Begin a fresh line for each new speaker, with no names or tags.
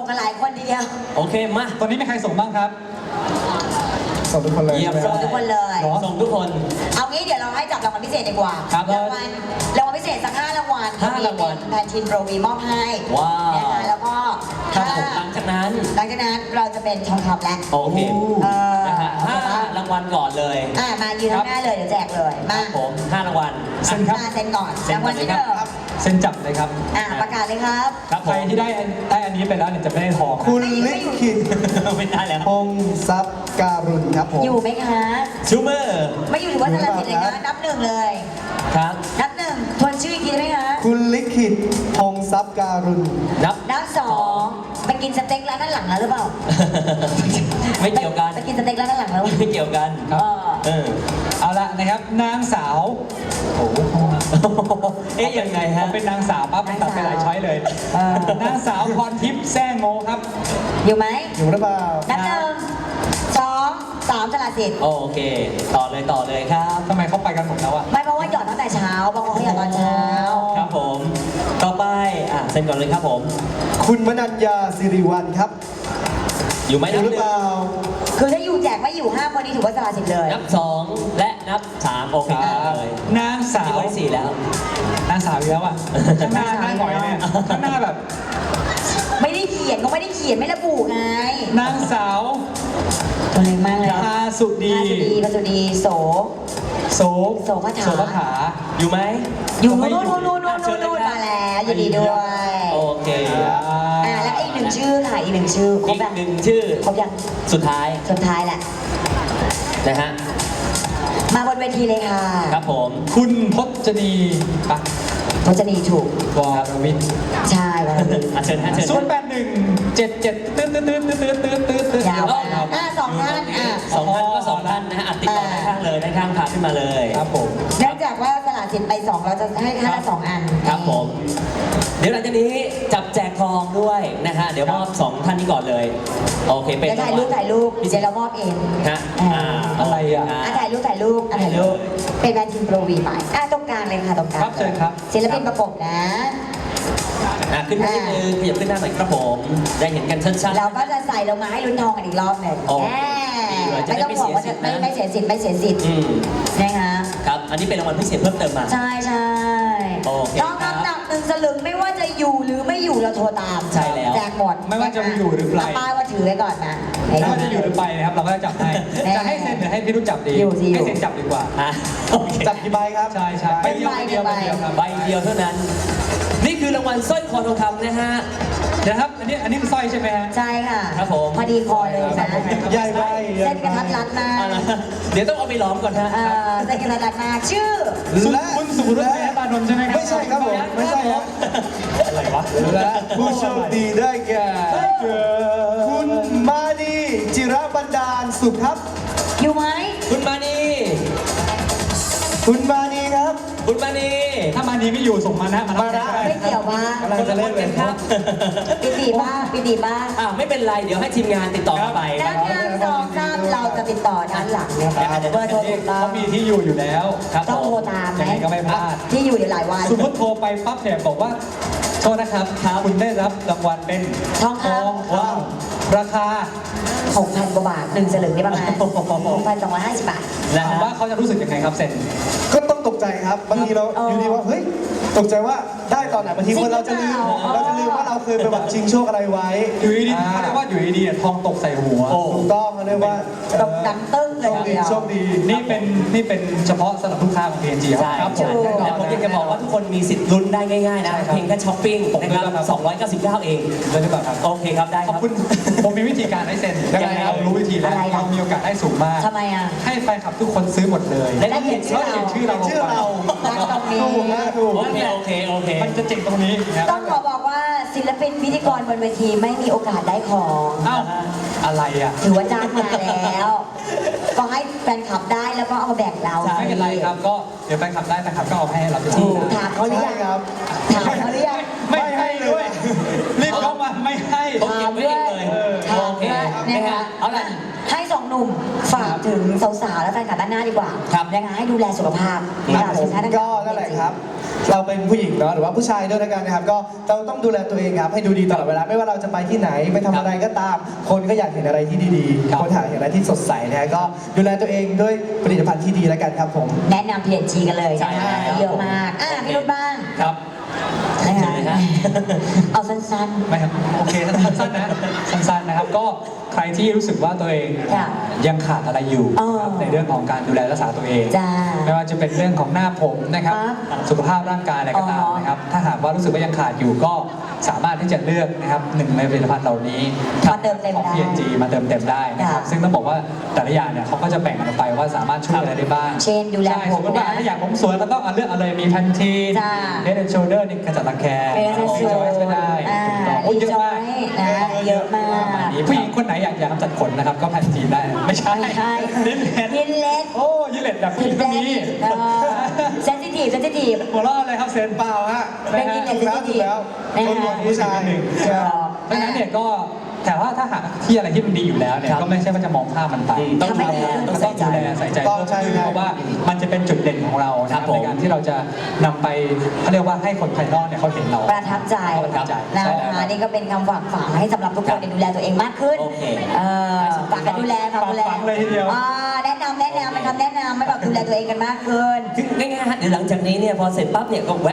กันหลายคนทีเดียว
โอเคมา
ตอนนี้มีใครส่งบ้างครับส่งทุกคนเลย
ส่งทุกคนเลย
ส่งทุกคน
เอางี้เดี๋ยวเราให้จับรางวัลพิเศษดีกว่า
ครับ
รางวัลพิเศษสัก5 รางวัล
5 รางวัล
แพนทีนโปรวีมอบให้
ว้าว
นะคะแล้วก็
ครับผมหลังจากนั้น
เราจะเป็นทองคำแล้ว
โอเค
เออ
นะฮะ5 รางวัลก่อนเลย
มายืนข้างหน้าเลยเดี๋ยวแจกเลยมา
ผม5 รางวัล
เซ็นครับ
มาเซ็นก่อน
เซ็น
ราง
ก่
วั
อ
ล
นเลย
ที่
ค
ห
รับ
นึ่ง
เซ็นจับเลยครับ
ประกาศเลยครับ
ครับผ
ใคร
ม
ที่ได้อันนี้ไปแล้วเนี่ยจะไม่ได้ทอง
คุณลิขิต
ไม่ได้แล้ว
พงศ์ทรัพย์การุณครับผม
อยู่ไหมคะ
ชูเมอร์
ไม่อยู่ถือว่าสลับสิทธิ์เลยนะนับหนึ่งเลย
ครับ
นับหนึ่งทวนชื่ออีกทีได้ไหมคะ
คุณลิขิตพงศ์ทรัพย์การุณ
นับ
นับสองไปกินสเต็กร้านด้านหลังแล้วหรือเปล่า
ไม่เกี่ยวกัน
ไปกินสเต็กร้านด้านหลังแล้ว
ไม่เกี่ยวกัน
เออ
เอาละนะครับนางสาวโอ้โห
เอ๊ะยังไงฮะ
เป็นนางสาวปั๊บมันตัดไปหลายช้อยเลยนางสาวพรทิพย์แซ่โงครับ
อยู่ไหม
อยู่หรือเปล่า
นับหนึ่งสองสามสลับสิทธิ์
โอเค ต่อเลยครับ
ทำไมเขาไปกันหมดแล้วอะ
ไม่เพราะว่าหยอดตั้งแต่เช้าบางคนเขาหยอดตอนเช้า
ครับผม ต่อไปเซ็นก่อนเลยครับผม
คุณมนัญญาสิริวัลครับ
อยู่ไหม
อยู่หรือเปล่า
คือถ้าอยู่แจกไม่อยู่5 คนนี้ถือว่าสลับสิทธิ์เลย
นับ 2 และนับ 3 โอเคเลย
นางสาว
นี่ไว้4แล้ว
นางสาวอีกแล้วอะข้างหน้าหน่อยเนี่ยข้างหน้าแบบ
ไม่ได้เขียนก็ไม่ได้เขียนไม่ระบุไง
นางสาว
ตัวเล็กมากเลย
พาสุดี
พาสุดีโส
โส
โสภถา
โสภถา
อยู่ไหม
อยู่
ไม่อยู่
นู่นมาแล้วยินดีด้วย
โอเค
แล้วอีกหนึ่งชื่อค่ะอีกหนึ่งชื่อคร
อี
บ
ก
ยัง
หนึ่งชื่อ
ครบยัง
สุดท้าย
สุดท้ายแหละ
นะฮะ
มาบนเวทีเลยค่ะ
ครับผม
คุณพจนีปะ
พจนีถูก
วรวิทย์
ใช่วันนี้
เชิญฮะเชิญ
081 77ตื้อตื้อย
าวสองท่าน
2 ท่านก็ 2 ท่านนะฮะอัดติดต่อด้านข้างเลยด้านข้างพาขึ้นมาเลย
ครับผม
เนื่องจากว่าสละสิทธิ์ไป2เราจะให้ท่านละ2 อัน
ครับผม เดี๋ยวหลังจากนี้จับแจกทองด้วยนะฮะ เดี๋ยวมอบ 2 ท่านนี้ก่อนเลย โอเค เป็น
เดี๋ยวถ่ายรูปเดี๋ยวเรามอบเอง
ฮะ
อะไรอ่ะ
ถ่ายรูปเป็นแบรนด์ทีมโปรวีไปตรงกลางเลยค่ะตรงกลาง
ครับเชิญครับ
ศิลปินประกบนะ
ขึ้นมานิดนึงขยับขึ้นหน้าหน่อยครับผม ได้เห็นกันชัดๆ
เราก็จะใส่ลงมาให้ลุ้นทองกันอีกรอบหนึ่ง
โอ้
แหม
จะ
ไม่
ได้
ต้องห่วงว่าจะ
ไม่เสียสิทธิ์นะ
ไม่เสียสิทธิ์
อืม
นะคะ
ครับ อันนี้เป็นรางวัลพิเศษเพิ่มเติมมา
ใช่ใช่
โอเค
ทองคำหนัก1 สลึงไม่ว่าจะอยู่หรือไม่อยู่เราโทรตาม
ใช่แล้ว
แจกหมด
ไม่ว่าจะอยู่หรือไป
ป้ายว่าถือไว้ก่อนนะ
ไม่ว่าจะอยู่หรือไปนะครับเราก็จะจับให้ จะให้เซ็นหรือให้พี่รู้จับดี
อยู่สิอยู่
ให้เซ็นจับดีกว่า
โอเค
จับกี่ใบครับ
ใช่ใช่ไปเดียวไปเดียวครับ
ใบเดียวเท่านั้น นี่คือรางวัลสร้อยคอทองคำนะฮะ
เดี๋ยวครับ อันนี้คือสร้อยใช่ไหมฮะ
ใช่ค่ะ
ครับผม
พอดีคอเลยนะ
ใหญ่ใบ
เส้นกระทัดรัดมาก
เดี๋ยวต้องเอาไปล้อมก่อนฮะ
เส้นกระทัดรัดมากชื่อ
และ
คุณสุรุ่ยตานนท์ใช่ไหมครับ
ไม่ใช่ครับผม ไม่ใช่ครับ
อะไรวะ
และผู้โชคดีได้แก่คุณมานีจิระบันดาลสุขครับ
อยู่ไหม
คุณมานี
คุณมานีครับ
คุณมานี
ถ้ามานี้ไม่อยู่ส่งมานะมา
มานะ
ไม่เกี่ยวว่า
กำลังจะเล่นเลย
ครับ
ปิดีบ้างปิดีบ้าง
ไม่เป็นไร เดี๋ยวให้ทีมงานติดต่อเข้าไป
ด้านข้าง2 3เราจะติดต่อด้านหลังเนี่ยเบอร์โทรถูกต้อง
เขามีที่อยู่อยู่แล้ว
ครับ
ต้อง
ผ
โทร
ม
ตามไหม
ยังไงก็ไม่พลาด
ที่อยู่เดี๋ยวหลายวัน
สมมติโทรไปปั๊บเนี่ยบอกว่าโทษนะครับคุณได้รับรางวัลเป็น
ทองคำ
ว้าวราคา
6,000 กว่าบาท1 สลึงได้ประมาณ 6,250 บาท
นะ
ถาม
ฮะ
ว่าเขาจะรู้สึกยังไงครับเซ็น
ก็ต้องตกใจครับ บางทีเรา
เออ
อยู่ดีว่า เฮ้ย ตกใจว่าได้ตอนไหน บางทีคนเราจะลืม เราจะลืมว่าเราเคยไปหวังชิงโชคอะไรไว้
อยู่ดีๆเขาเรียกว่าอยู่ดีๆทองตกใส่หัว
โอ้
ถูกต้องเขาเรียกว่า
ตกดังตึ้งเลยทีเดียว
โชคดี
นี่เป็นเฉพาะสำหรับลูกค้าของ PNG
ใช่
ครับผม
ถูก
แล้วผมอยากจะบอกว่าทุกคนมีสิทธิ์ลุ้นได้ง่ายๆนะ
ใช่ครับ
เพียงแค่ช้อปปิ้งนะครับ299 เอง
เลยหรือเปล่าครับ
โอเคครับ ได้ค
ข
รั
อบบ คุณผมมีวิธีการให้เซ็น
ยังไงครับ
เรารู้วิธีแล้ว
อะไรล่ะ
เรามีโอกาสได้สูงมาก
ทำไมอ่ะ
ให้แฟนคลับทุกคนซื้อหมดเลย
ได้เขียนชื่อเรา
เขียนชื่อเราลง
ชื่อ
ไป
เรา
นั่งตรงนี้
ถูกนะถูก
โอเคโอเค
มันจะเจ๋งตรงนี้นะครับ
ต้องขอบอกว่าศิลปินพิธีกรบนเวทีไม่มีโอกาสได้ของ
อ้าวอะไรอ่ะ
ถือว่าจ้างมาแล้ว ก็ให้แฟนคลับได้แล้วก็เอามาแบ่งเรา
ไม่เป็นไรครับก็เดี๋ยวแฟนคลับได้แฟนคลับก็เอาให้เรา
ถูก
นะ
ถามเขาหรือ
ใช่
ยัง
ครับ
ถามเขาหรือยัง
ไม่ให้ด้วยรีบเข้ามาไม่ให้
ผมเก็บไว้เองเลย
ถาม
โอเค
ด้วยนะคะ
เอาล่ะ
ให้สองหนุ่มฝากถึงสาวๆและแฟนคลับด้านหน้าดีกว่า
ครับ
นะคะให้ดูแลสุขภาพ
ครับ
จากสินค้าต่างๆ
ก็นั่นแหละครับเราเป็นผู้หญิงเนาะหรือว่าผู้ชายด้วยแล้วกันนะครับก็เราต้องดูแลตัวเองครับให้ดูดีตลอดเวลาไม่ว่าเราจะไปที่ไหนไปทำอะไรก็ตาม คนก็อยากเห็นอะไรที่ดี
ครับ
ๆคนอยากเห็นอะไรที่สดใสนะฮะก็ดูแลตัวเองด้วยผลิตภัณฑ์ที่ดีแล้วกันครับผม
แนะนำ P&G กันเลย
ใช่
นะ
แล้ว
เยอะมากพี่รุ่นบ้าง
ครับ
นะ
เชิ
คะ
ญเลยฮะ
เอาสั้น
ไม่ครับโอเคสั้นๆนะสั้นๆนะครับก็ใครที่รู้สึกว่าตัวเอง
ค่ะ
ยังขาดอะไรอยู่
อ๋อ
นะครับในเรื่องของการดูแลรักษาตัวเอง
จ้า
ไม่ว่าจะเป็นเรื่องของหน้าผมนะครับ
ครับ
สุขภาพร่างกายอะไรก็ตาม
อ๋อ
นะครับถ้าหากว่ารู้สึกว่ายังขาดอยู่ก็สามารถที่จะเลือกนะครับหนึ่งในผลิตภัณฑ์เหล่านี้
มาเติมเต็ม
ของ
ได้
P&G มาเติมเต็มได้นะครับ
ค่ะ
ซึ่งต้องบอกว่าแต่ละอย่างเนี่ยเขาก็จะแบ่งกันออกไปว่าสามารถช่วยอะไรได้บ้าง
เช่นดูแล
ใช่
ผม
สมมติว่า
นะ
ถ้าอยากผมสวยก็ต้องเอาเลือกเอาเลยมีแพนทีน
จ้า
เฮดแอนด์โชเดอร์นี่ขจัดรังแค
Head and
จอยก็ได้ถูกต้องโอ้ยเยอะมาก
นะเยอะมาก
ผู้หญิงคนไหนอยากกำจัดขนนะครับก็แพนทีนได้ไม่ใช่
ไม่ใช่
ลิปเลน
ยินเล็ด
โอ้ยิเลตแบบผู้หญิงก็มี
เซนซิทีฟ
หัวเราะอะไรครับเซน
เปล่าฮะ
เป็นยินเล็ดเซนซิทีฟ
คนหัวผู้ชาย
เพราะฉะนั้นเนี่ยก็แต่ว่าถ้าหากที่อะไรที่มันดีอยู่แล้วเนี่ย
ครับ
ก็ไม่ใช่ว่าจะมองข้ามมันไป
ต้องดูแลต้องใส่ใจ
ดูแลใส่ใจ
ต้องใช่
เพิ่มขึ้นเพราะว่ามันจะเป็นจุดเด่นของเรานะค
ครั
รั
บบ ผม
ในการที่เราจะนำไปเขาเรียกว่าให้คนภายนอกเนี่ยเขาเห็นเรา
ประทับใจ
ประทับใจ
นะ
ใช่แล้ว
คะนี่ก็เป็นคำฝากฝังให้สำหรับทุกคนเนี่ยดูแลตัวเองมากขึ้น
โอเค
ฝากกันดูแลฝากดูแล
ฝากเลยทีเดียว
แนะนำเป็นคำแนะนำให้แบบดูแลตัวเองกันมากขึ้น
คือง่ายๆฮะเดี๋ยวหลังจากนี้เนี่ยพอเสร็จปั๊บเนี่ยก็แว